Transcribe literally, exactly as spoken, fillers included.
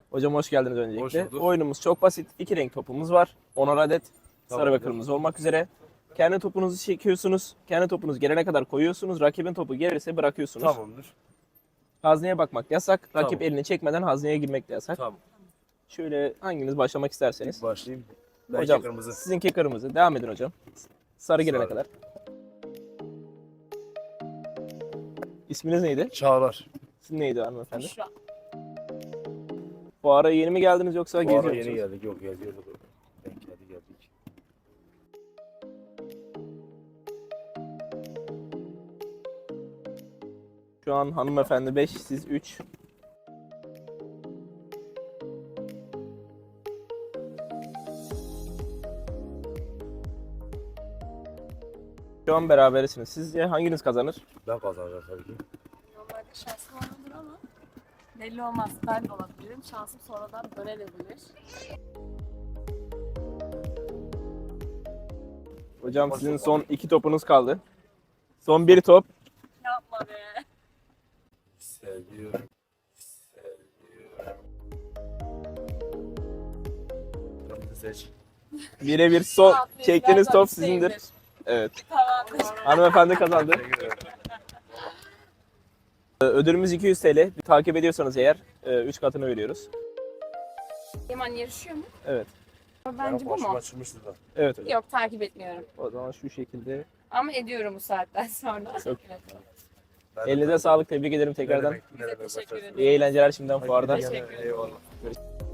Hocam hoş geldiniz öncelikle. Hoş bulduk. Oyunumuz çok basit. İki renk topumuz var. Onar adet. Sarı ve Tamamdır. kırmızı olmak üzere. Kendi topunuzu çekiyorsunuz. Kendi topunuz gelene kadar koyuyorsunuz. Rakibin topu gelirse bırakıyorsunuz. Tamamdır. Hazneye bakmak yasak. Rakip Tamam. elini çekmeden hazneye girmek de yasak. Tamam. Şöyle hanginiz başlamak isterseniz. Başlayayım. Belki Hocam kırmızı. sizinki kırmızı. Devam edin hocam. Sarı gelene Sarı. kadar. İsminiz neydi? Çağlar. Sizin neydi hanımefendi? Büşra. Fuara yeni mi geldiniz yoksa Bu geziyor ara yeni musunuz? geldik. Yok geziyorduk. Denk geldi geldik. Şu an hanımefendi beş, siz üç. Şu an berabersiniz. Sizce hanginiz kazanır? Ben kazanacağım tabii ki. Normalde şansım olabilir ama belli olmaz. Ben de olabilirim. Şansım sonradan dönebilir. Hocam sizin son iki topunuz kaldı. Son bir top. Yapma be. Seviyorum. Seviyorum. Kırmızı seç. Birebir son Tamam, çektiğiniz ben top isteğimdir. sizindir. Evet. Tamamdır. Hanımefendi kazandı. Teşekkür ederim. Ödülümüz iki yüz T L. Bir takip ediyorsanız eğer üç katını veriyoruz. Hemen yarışıyor mu? Evet. Bence bu Başıma mu? çıkmıştı da. Evet hocam. Yok, takip etmiyorum. O zaman şu şekilde. Ama ediyorum bu saatten sonra. Çok- Evet. Ben de Elinize tabii. sağlık. Tebrik ederim tekrardan. Ne demek, ne demek, Teşekkür başarısın. ederim. İyi eğlenceler şimdiden fuarda. Teşekkür ederim. Eyvallah.